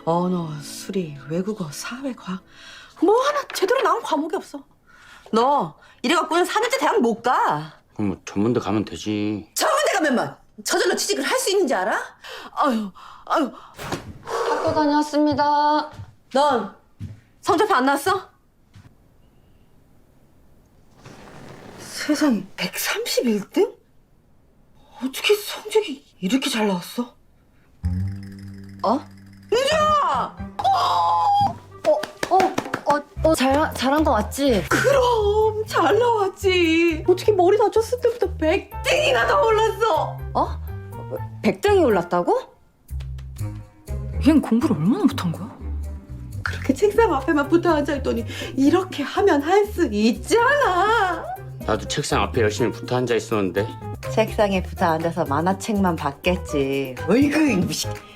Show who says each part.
Speaker 1: 언어, 수리, 외국어, 사회, 과학 뭐 하나 제대로 나온 과목이 없어. 너 이래갖고는 4년제 대학 못 가.
Speaker 2: 그럼 뭐 전문대 가면 되지.
Speaker 1: 전문대 가면만 저절로 취직을 할 수 있는지 알아? 아유.
Speaker 3: 학교 다녀왔습니다.
Speaker 1: 넌 성적표 안 나왔어? 세상에 131등? 어떻게 성적이 이렇게 잘 나왔어?
Speaker 3: 어?
Speaker 1: 은주야!
Speaker 3: 잘한 거 맞지?
Speaker 1: 그럼 잘 나왔지. 어떻게 머리 다쳤을 때부터 100등이나 더 올랐어?
Speaker 3: 어? 100등이 올랐다고?
Speaker 4: 얜 공부를 얼마나 못한 거야?
Speaker 1: 그렇게 책상 앞에만 붙어 앉아있더니 이렇게 하면 할 수 있잖아.
Speaker 2: 나도 책상 앞에 열심히 붙어 앉아 있었는데.
Speaker 1: 책상에 붙어 앉아서 만화책만 봤겠지. 어이구 이 무식.